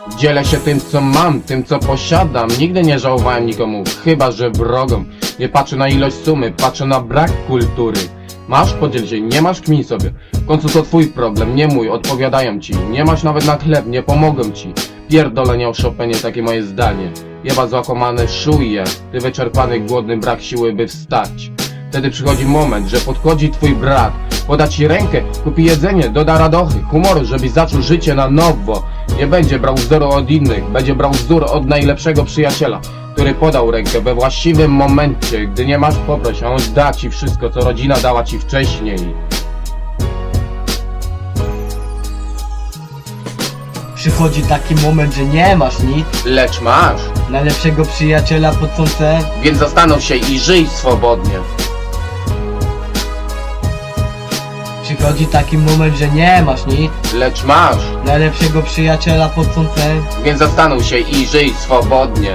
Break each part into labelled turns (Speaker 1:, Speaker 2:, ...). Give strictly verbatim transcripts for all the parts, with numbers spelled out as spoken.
Speaker 1: Dzielę się tym, co mam, tym, co posiadam. Nigdy nie żałowałem nikomu, chyba że wrogom. Nie patrzę na ilość sumy, patrzę na brak kultury. Masz? Podziel się, nie masz? Kmin sobie. W końcu to twój problem, nie mój, odpowiadają ci. Nie masz nawet na chleb, nie pomogą ci. Pierdolenie o Chopinie, takie moje zdanie. Jeba zakłamane szuje, ty wyczerpany, głodny, brak siły, by wstać. Wtedy przychodzi moment, że podchodzi twój brat, poda ci rękę, kupi jedzenie, doda radochy, humoru, żebyś zaczął życie na nowo. Nie będzie brał wzoru od innych, będzie brał wzór od najlepszego przyjaciela, który podał rękę we właściwym momencie. Gdy nie masz, poproś, a on da ci wszystko, co rodzina dała ci wcześniej.
Speaker 2: Przychodzi taki moment, że nie masz nic,
Speaker 1: Lecz masz,
Speaker 2: najlepszego przyjaciela pod słońce.
Speaker 1: więc zastanów się i żyj swobodnie.
Speaker 2: Przychodzi taki moment, że nie masz nic,
Speaker 1: Lecz masz,
Speaker 2: najlepszego przyjaciela pod słońce.
Speaker 1: więc zastanów się i żyj swobodnie.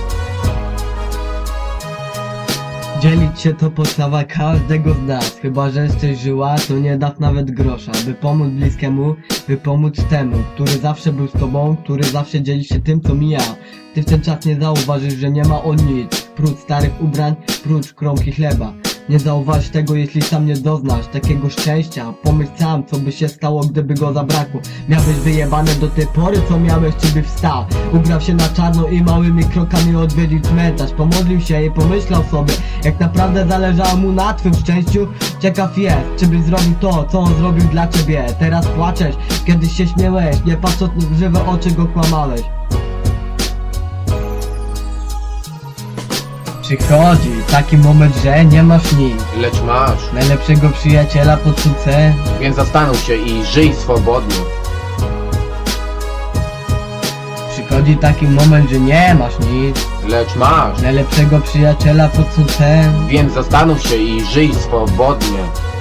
Speaker 2: Dzielić się to podstawa każdego z nas. Chyba że jesteś żyła, to nie daw nawet grosza. By pomóc bliskiemu, by pomóc temu, który zawsze był z tobą, który zawsze dzieli się tym, co mija. Ty w ten czas nie zauważysz, że nie ma on nic, prócz starych ubrań, prócz kromki chleba. Nie zauważysz tego, jeśli sam nie doznasz takiego szczęścia. Pomyśl sam, co by się stało, gdyby go zabrakło. Miałeś wyjebane do tej pory, co miałeś, czy by wstał. Ubrał się na czarno i małymi krokami odwiedził cmentarz. Pomodlił się i pomyślał sobie, jak naprawdę zależało mu na twym szczęściu. Ciekaw jest, czy byś zrobił to, co on zrobił dla ciebie. Teraz płaczesz, kiedyś się śmiałeś, nie patrząc w żywe oczy go kłamałeś. Przychodzi taki moment, że nie masz nic,
Speaker 1: Lecz masz,
Speaker 2: najlepszego przyjaciela pod słońce.
Speaker 1: więc zastanów się i żyj swobodnie.
Speaker 2: Przychodzi taki moment, że nie masz nic,
Speaker 1: Lecz masz,
Speaker 2: najlepszego przyjaciela pod słońce.
Speaker 1: więc zastanów się i żyj swobodnie.